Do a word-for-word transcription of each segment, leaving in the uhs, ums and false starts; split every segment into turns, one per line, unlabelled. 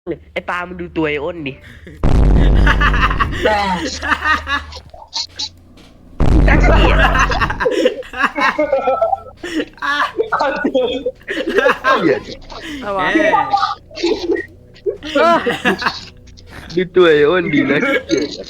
ไอ้ปลามันดูตัวไอ้อ้นดิน่าเกลียดเกลียด
อะไรวะ
ดูตัวไอ้อ้นดิน่าเกลียด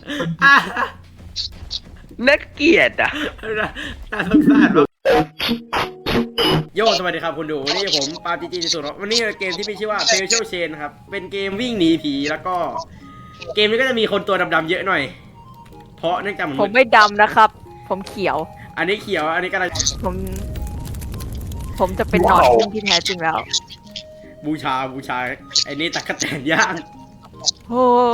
น่าเกลียดอ่ะ
น่าสงสารวะโยสวัสดีครับคุณดูวันนี้ผมปาจีจีที่สุดวันนี้เกมที่มีชื่อว่า Special Chain ครับเป็นเกมวิ่งหนีผีแล้วก็เกมนี้ก็จะมีคนตัวดำๆเยอะหน่อยเพราะเนื่องจากมัน
ผมไม่ดำนะครับ ผมเขียว
อันนี้เขียวอันนี้กำลัง
ผม ผมจะเป็นหนอนพึ่งที่แท้จริงแล้ว
บูชาบูชาไอ้นี่ตะกะแตนย่าง
โอ้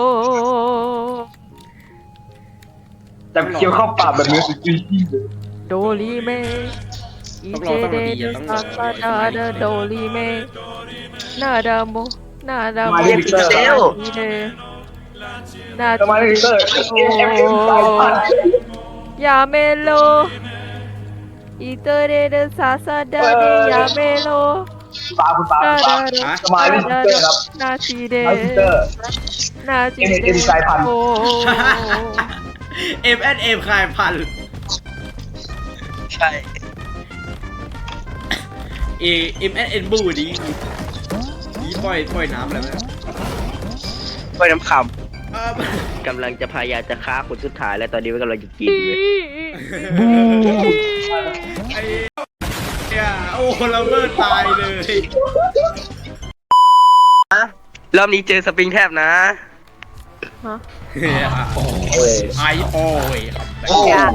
แต่เคี้ยวเข้าปากแบบเนื้อสุกี้เลย
โดรีเมอีเจเดเดซาซาดาเดโดรีเมนาดาโมนาดาโมอีเดนา
ทำไมถึงเลิกเอ็มเอ็มเอ็มสายพันธุ์
ยาเมโลอีเตเดเดซาซาดาเดยาเมโล
ปลาคุณปลา
นา
ปลา
ดา
สมัยลิเตอร์ครับ
นาทีเด
ลิเตอร์
นาทีเด
เอ็มสายพันธุ์
โอ้
เอ็มแอนเอ็มคลายพันธุ์
ใช่
เอเอ็มแอนเอ็นบูดีนี่ปล่อยปล่อยน้ำอะไรไหม
ไปน้ำค
เออ
ำกำลังจะพยายามจะฆ่าคนสุดท้ายแล้วตอนนี้มันกำลังจะกินเลย
ไอ้เนี่ยโอ้เราเลิศตายเลย
รอบนี้เจอสปริงแทบนะ
ฮะ
ไอโอ้ยครับ
โอ้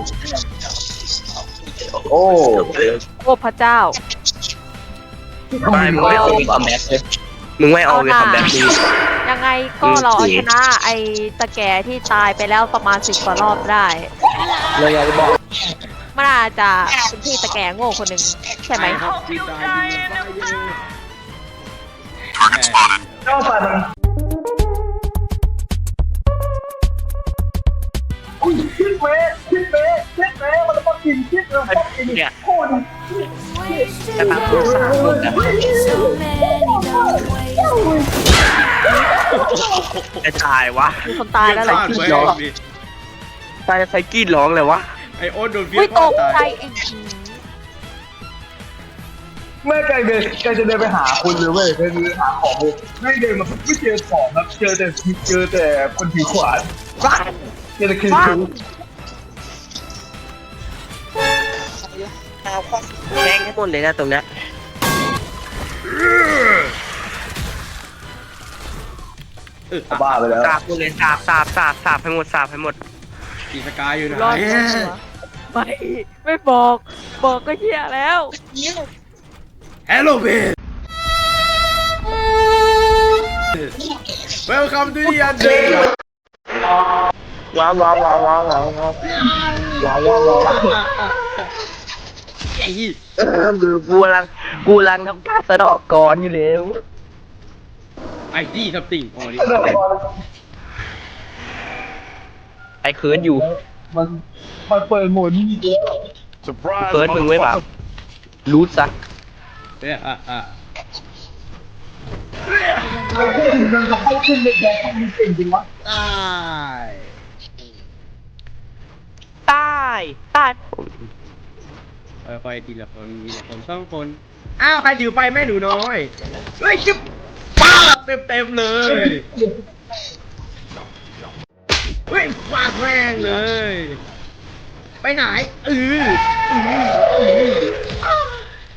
โอ้
โอ้พระเจ้า
ไม่มึงไม่เอาคอมแบ็กเลยมึงไม่เอาเลยคอมแบ็กดี
ยังไงก็เราเอาชนะไอ้ตะแก่ที่ตายไปแล้วประมาณสิบกว่ารอบได้
เลยอยากจะบอก
มันอาจจะเป็นพี่ตะแก่โง่คนหนึ่งใช่ไหม
ครับที่ตายที่ไฟเยอะ
เจ้าสันอุ้ยคิดเว้คิดเว้คิดเว้มันจะต้องกินคิดเลยต้องกิน
เนี่ย
โคตร
จะตามตัวสามคนนะจะตายวะ
มีคนตายแล้วเหรอ
เดี๋ยวพลาดไว้ดิ
ตายไซกี้ร้องเลยวะ
ไอโอ๊ตโดนเฟี้ย
อุ้ย
ง
ต
ฆ่าก
ใจ
ตาย
ไอ้
แม่ไก่เดินไก่จะเดินไปหาคุณเลยเว้ยเดินไปหาของเลยไม่เดินมาไม่เจอของครับเจอแต่เจอแต่คนถือขวานเจอแต่คือคือ
แม่งให้หมดเลยนะตรงเนี้ย
เออ
บ้าไปแล้ว
สาบหมดเลยสาบสาบสาบสาบให้หมดสาบให้หมด
กีสกายอยู่ไหน
รอดไม่ไม่บอก บอกก็เหี้ยแล้ว
ฮัลโหลเบน Welcome to the end
ว้าวว้าวว้าวว้าวว้าวว้าวว้าวว้าวว้าว
ไอ้
เออคือกูกำลังกูกำลังทำการสะดอกก่อนอยู่แล้ว
ไอ้ที่ทับติ่งอ๋อนี่
ไอ้เคิร์ดอยู่
มันมันเปิดโหมดนี่
เคิร์ดมึงไว้เปล่ารู้ซะ
เนี่ยอ่ะอ่ะ
มันจะให้ขึ้นเด็กแดงมันเก่งจริงวะ
ตาย
ตายตาย
ค่อยๆทีละคนทีละคนสองคนอ้าวใครถือไปแม่หนูน้อยเฮ้ยจิ๊บป้าเต็มเต็มๆเลยเฮ้ยฟาดแม่งเลย ไปไหนเออเออเออ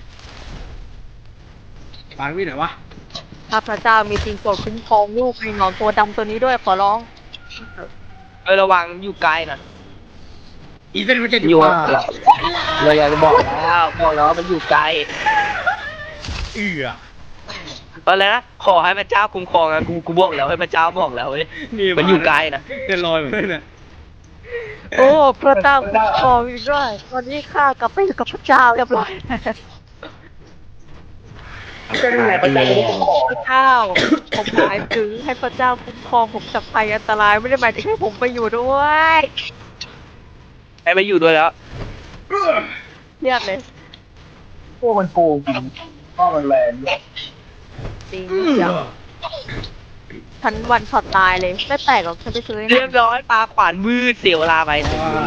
ปางวิ่งไหนวะ
ถ้าพระเจ้ามีจริงโปรดคุ้มครองลูกไอ้หนอนตัวดำตัวนี้ด้วยขอร้อง
เออระวังอยู่ไกลนะ
อีเส้นมันจะ
อ
อยู่ ยู่ว่า
เราอยากจะบอกแล้วบอกแล้วว่ามันอยู่ไกล
เอือ
ตอนแรกนะขอให้พระเจ้าคุ้มครองนะกูกูบอกแล้วให้พระเจ้าบอกแล้วเว้ยมันอยู่ไกลนะ
เดินลอยเหมือนกันนะ
โอ้พระเจ้าคุ้มครองอีกด้วยตอนนี้ข้ากลับไปอยู่กับพระเจ้าเรียบร้อย
เป็นไงประจันของ
พระเจ้าผมหมายถึงให้พระเจ้าคุ้มครองผมจากภัยอันตรายไม่ได้หมายถึงให้ผมไปอยู่ด้วย
ให้มาอยู่ด้วยแล้ว
เรียกเลย
พวกมันโกงจริงก็มันแรงด้วย
จริง
เอื
เดี๋ยว
อ
ฉันวันช็อตตายเลยไม่แปลกหรอกฉันไปซื้อ
เรียบร้อยปลาขวานวืดเสียเวลาไป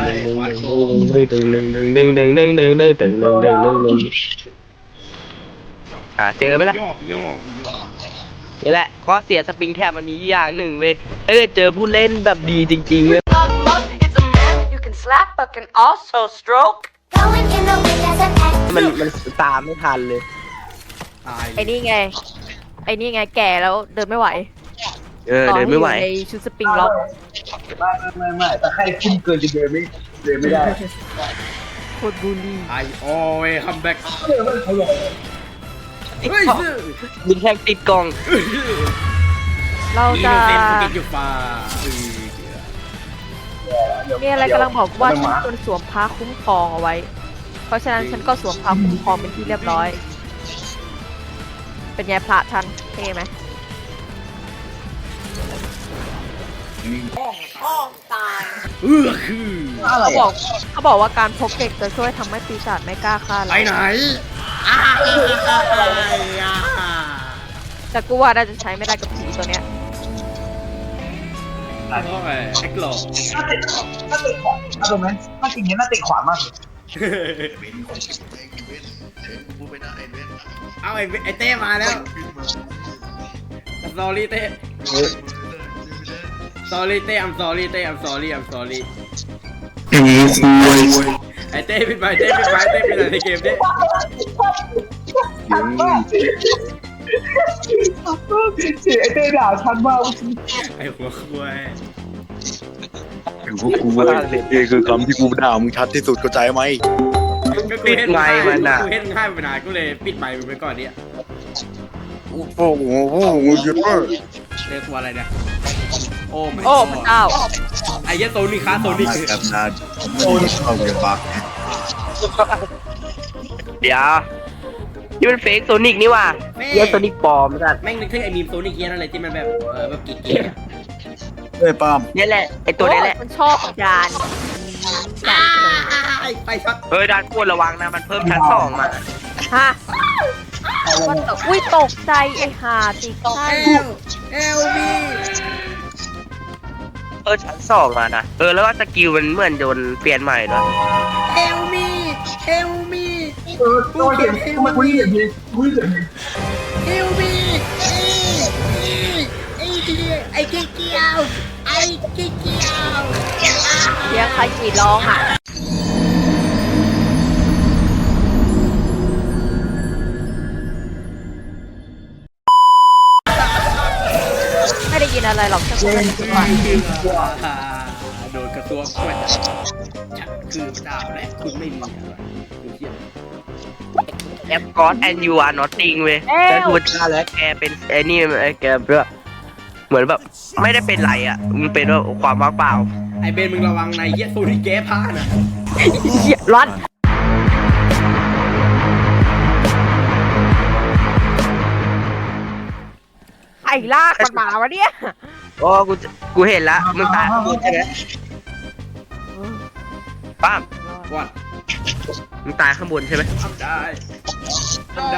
อ่าเจอไหมล่ะนี่แหละข้อเสียสปริงแท็บมันมีอย่างหนึ่งเว้ยถ้าเกิดเจอผู้เล่นแบบดีจริงๆเว้ย
It's a man you can slap but can also stroke.
Going in the wind as an act.
มันมันตามไม่ทันเลย
ตาย
ไอ้นี่ไง ไอ้นี่ไงแก่แล้วเดินไม่ไหว
เออเดินไม่ไหว
ต่อให้อยู่ในชุดสปริงล็อก
ไม่ไม่ไม่แต่ใครขึ้นเกินจะเดินไม่เดินไม่ได้
โคตรบูลลี่
ไอโอ้ยคัมแบ็ก
เดินไม่เขาหลง
เฮ้ยซื้อ
ยิงแทงติดกล่อง
เรา
อี
จะ
โนเซนต์กินอยู่ป่า
มีอะไรกำลังบอกว่าฉันควรสวมผ้าคุ้มครองเอาไว้ เพราะฉะนั้นฉันก็สวมผ้าคุ้มครองเป็นที่เรียบร้อย เป็นไงพระท่านเท่ไหม
เออคือ
อะไร
เขาบอ
อ่ะ
กเขาบอกว่าการพกเด็กจะช่วยทำให้ปีศาจไม่กล้าฆ่า
ไป
เรา
ไหนอ้า
แต่กูว่าน่าจะใช้ไม่ได้กับผีตัวเนี้ย
โอ้ยแอคหลอก
น่าติดน่าติดขวานน่าตรงนั้นน่าจริงๆน่าติดขวานมากเลย
เอาไอ้ไอ้เต้มาแล้ว sorry เต้ sorry เต้ I'm sorry เต้ I'm sorry I'm sorry ไอ้เต้ปิดไมค์เต้ปิดไมค์เต้ปิดอะไรในเกมเต้
ชัดมากเสียไอ้เต้ด่าชัดมาก
ไอ้หัวควาย
ถึงพวกกูเว้ยนี่คือคำที่กูด่ามึงชัดที่สุดเข้าใจไหม
ก็กูเห็นง่ายกูเห็นง่ายไปนานกูเลยปิดไมค์มึงไปก่อนเนี่ย
โอ้โหโอ้โหเยอะ
เรียกว่าอะไรเนี่ยโอ้ my
โอ้พระเจ้า
ไอ้เหี้ยโซนิคาโซนิค
มาแบบนานโอ้ยเข้าเกมบัก
เดี๋ยวนี่มันเฟกโซนิกนี่ว่ะเยี่ยโซนิกปลอมกัน
แม่งนึกถึงไอ้มีมโซนิคเหี้ยนั่นเลยที่มันแบบเออแบบกิ๊กเกี้ย
เฮ้ยปาล์ม
นี่แหละไอตัวนี้แหละ
มันชอบจานจาน
ไปช็อต
เออด้านควรระวังนะมันเพิ่มชั้นสองมา
ฮะมันตกอุ้ยตกใจไอ้ห่าติดใช่
เอลเอลบี
เออชั้นสองมานะเออแล้วก็สกิลมันเหมือนโดนเปลี่ยนใหม่ด้วย
เอลมีเอลมี
เออตัวเห็นทำไมคุณเห็นดีคุณเห็นดี
เอลมีไอ้เกี้ยไอ้เกี้ยวไอ้เกี้ยว
เสียงใครกรีดร้องอ่ะไม่ได้ยินอะไรหรอกแค่คนละจังหวะ
โดนกระตัวกล้วยฉันคือพระเจ้าและคุณไม่มีอะไรดูเทียบ
แอปกอดแอนยูอาร์นอตติงเว้ยแกทูจ้าแล้วแกเป็นไอ้นี่ไอ้แกแบบเหมือนแบบไม่ได้เป็นไรอ่ะมันเป็นว่าความว่างเปล่า
ไอเบนมึงระวังในเหี้ยโซนิแกผ้านะ
เหี้ยร้อนไอ้ลากมันมาวะเนี่ย
โอ้กูกูเห็นละมึงตายข้างบนใช่ไหมป้าม
วัด
มึงตายข้างบนใช่ไหม
ทำได้ทำได้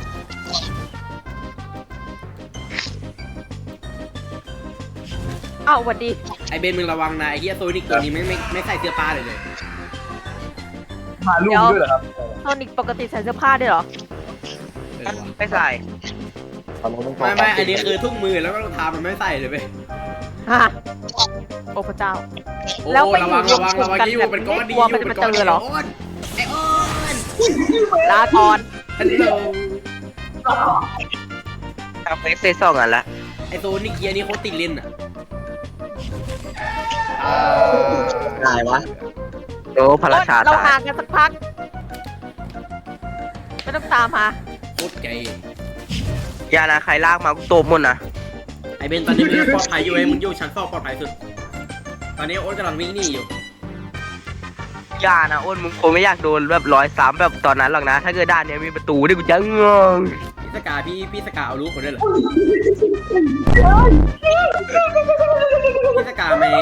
อ้าวสวัสดี
ไอเบนมึงระวังนะไอเหี้ยโซนิกตัวนี้ไม่ไม่ไม่ใส่เสื้อผ้าเลยเลย
มาลูกด้วยเหรอครับ
โซนิกปกติใส่เสื้อผ้าด้วยเหรอ
เออว่ะ
ไม่ใส่
ไม่ไม่อันนี้คือทุ่งมือแล้วก็รองเท้ามันไม่ใส่เลยเว้ย
ฮะโอ้พระเจ้า
โอ้
แล้วไป
ระวัง
อยู่
ระวัง
รว
ระ
ม
วัง
กัน
ที่อยู่
แบบ
เป็นก้อนดี
กลัว
อ
มัน
ยู่
จะ
เป็นก้อน
มาเจ
ดี
อเหรอ
โอนไอโอน
ลาก่อน
ฮัลโหล
ทำเฟซเซสองอันละ
ไอโซนิกเกียร์นี่โคตรติดเล่นอ่ะ
ตายวะโอ้พระราชา
เรา
ตาย
ห่างกันสักพัก ไม่ต้องตามมา
โคตรเก๋
อย่านะใครลากมากูโตหมดนะ
ไอเบนตอนนี้มึงปลอดภัยอยู่ไอ้มึงอยู่ชั้นสองปลอดภัยสุดตอนนี้โอ๊ตกำลังวิ่งหนีอยู่
อย่านะอ้นมึงคงไม่อยากโดนแบบร้อยสามแบบตอนนั้นหรอกนะ ถ้าเกิดด้านเนี้ยมีประตูนี่กูจะงง
พี่สกาพี่พี่สกาเอาลูกคนด้วยเหรอพี่สกาไม่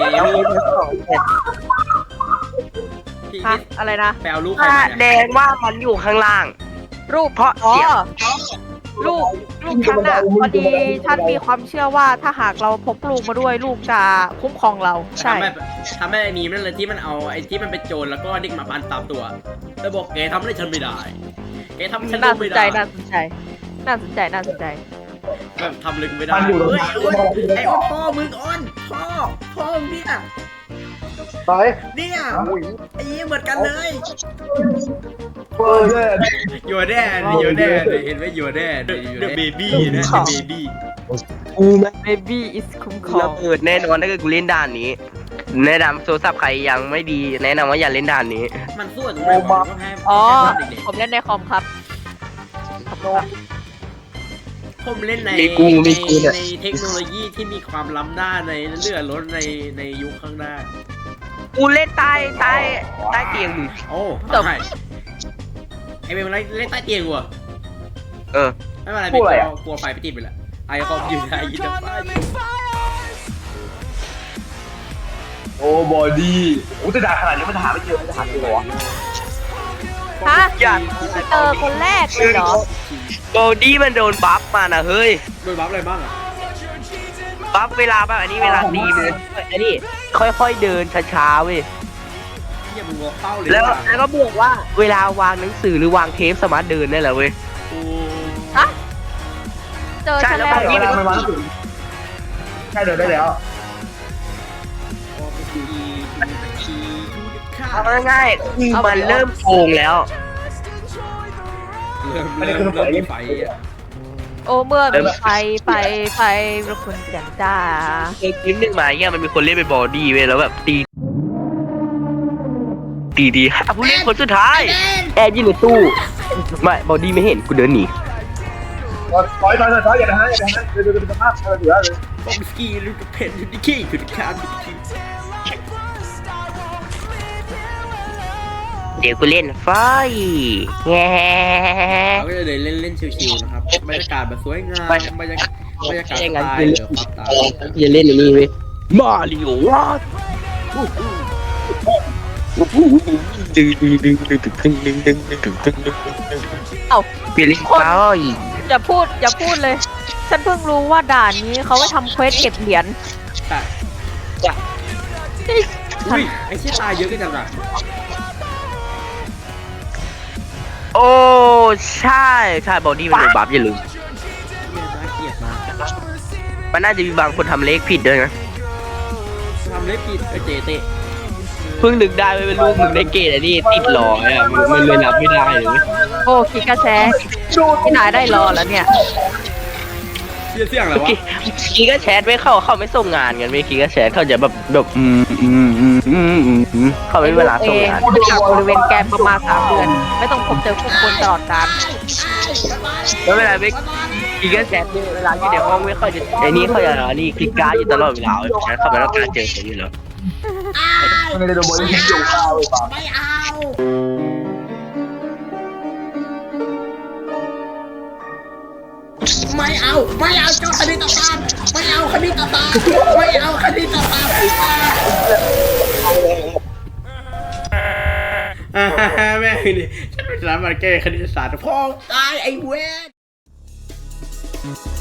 พี่
ฮะ อะไรนะ
ไปเอาลูกใคร
ถ้า
มา
แด
เนี่ย
งว่ามันอยู่ข้างล่าง
รูป
เพราะ
อ๋อ
เสียง
รูปลูกฉันอะพอดีฉันมีความเชื่อว่าถ้าหากเราพกลูกมาด้วยลูกจะคุ้มครองเรา ใช่
ทำให้ทำให้ไอ้มีมนั่นเลยที่มันเอาไอ้ที่มันเป็นโจรแล้วก็เด็กมาพันตามตัวแล้วบอกแกทำอะไรฉันไม่ได้แกทำให้ฉัน
น่าส
ไม่
นใจ
ได้
น่าสนใจ น่าสนใจน่าสนใจ
แบบทำเลยกูไม่ได้เฮ้ยโอ้ยไอ้อ้อนพ่อมึงอ้อนพ่อพ่อมึงเนี่ย
ไป
เนี่ยไอ้ยี่เหมือนกันเลย
เปิดเลย
อยู่แน่เลยอยู่แน่เลยเห็นไหมอยู่แน่เลยเดอะเบบี้นะเดอะเบบี้
กูแม่ง
baby is คุ้มครอ
ระ
ง
เบิดแน่นอนถ้าเกิดกูเล่นด่านนี้ แนะนำโทรศัพท์ใครยังไม่ดี แนะนำว่าอย่าเล่นด่านนี้
มันสู้กับตรงไหนวะมันก็แพ้
อ๋อ
แพ้เด็ก
ผมเล่นในคอมครับครับโน้ต
ๆผมเล่นใน
มีกูมีกูเนี่ย
ในเทคโนโลยีที่มีความล้ำหน้าในเลื่อนรถในในยุคข้างหน้า
กูเล่นใต้ใต้ใต้เตียงมึง
โอ้
จบ
ใช่ไอเวมอะไรเล่นใต้เตียงกูอะ
เออ
ไม่เป็นไรพี่กลัวกลัวไฟไปติดไปละไอคอมอยู่ในยินดีไฟ
โอ้บอดี้โอ้แต่ด่าขนาดนี้มันหาไม่เจอมันจะหาเจอเหรอวะ
ฮะ
อย่า
เจอคนแรกเลยเหรอ
โบดี้มันโดนบัฟมานะเฮ้ย
โดนบัฟอะไรบ้างอะ
บัฟเวลาแบบอันนี้เวลาตีมันอันนี้ค่อยๆเดินช้าๆเว้ย
เฮียมึงวอลเป้าเลย
แล้ว
ว่ะ
แล้วก็บวกว่าเวลาวางหนังสือหรือวางเทปสามารถเดินได้แหละเว้ย
โอ้
ฮะ เจอ
ใช่
ฉัน
แล้ว
แล้ว
บางที
เหรอ
มันมาถึงใช่เดินได้แล้ว
โอ้พีพีดูดิค่ะ
เอาง่ายๆคือมันเริ่มโกงแล้ว
เริ่มเริ่มเริ่มมีไฟอะ
โอ้เมื่อมีไฟไฟไฟเราควรแสงจ้า
เกมคลิปหนึ่งมาเนี่ยมันมีคนเล่นเป็นบอดี้เว้ยแล้วแบบตีตีดีอ่ะผู้เล่นคนสุดท้ายแอร์ยืนในตู้ไม่บอดี้ไม่เห็นกูเดินหนี
ถอยถอยถอยถอยอย่านะฮะอย่านะฮะเดินเดินเป็นสภาพเออเหลือเลย
บอมสกี้ลูกเพนดูดิขี้คือดิคานดูดิขี้
เดี๋ยวกูเล่นไฟแง่
เราก็จะเดินเล่นเล่นชิวๆนะครับบรรยากาศแบบสวยงามบรรยากาศบรรยากาศสไตล์เหลือความตาย
อย่าเล่นอย่างนี้เว้ยมาริโอวะดึงดึงดึงดึงดึงดึงดึงดึงดึงดึงดึงดึง
เอ้า
เปลี่ยนเล่นไฟ
อย่าพูดอย่าพูดเลย ฉันเพิ่งรู้ว่าด่านนี้เขาไปทำเควสเก็บเหรียญ
แต่อุ้ยไอ้เชี่ยตายเยอะกันจังอะ
โอ้ใช่ใช่บอดี้มันโดนบัฟอย่าลืม
เชี่ยน่าเกลียดมาก
มันน่าจะมีบางคนทำเลขผิดด้วยนะ
ทำเล็บผิดไอ้เจเตะ
เพิ่งนึกได้ไม่เป็นลูกมึงได้เกรดอันนี้ติดหลออ่ะมันเลยนับไม่ได้เลย
โอ้คิดกระแชพี่นายได้รอแล้วเนี่ย
เชี่ยเสี่ยงอะไรวะ
คีก็แชทไม่เข้าเขาไม่ส่งงานกันไม่คีก็แชทเขาจะแบบแบบอืมอืมอืมอืมอืมอืมเขาไม่เวลาส่งงาน
เองจากบริเวณแกนประมาณสามเดือน ไม่ต้องพบเจอผู้คนตลอดกาล
แล้วเวลาไม่คีก็แชทเนี่ยเวลาอยู่ในห้องไม่ค่อยจะไอ้นี่เขาจะอันนี้คลิกการ์ดอยู่ตลอดเวลาแชทเขาไม่ต้องการเจอคนอยู่แล้ว
ไม่ได้โดนบอดี้ทิ้งอยู่ข้าวเลยป่ะ
ไม่เอา ไม่เอา ไม่เอาเจ้าคณิตศาสตร์ไม่เอาคณิตศาสตร์ไม่เอาคณิตศาสตร์อ่าแม่งนี่ฉันเป็นสถาบันแก้คณิตศาสตร์พ่อตายไอ้เวน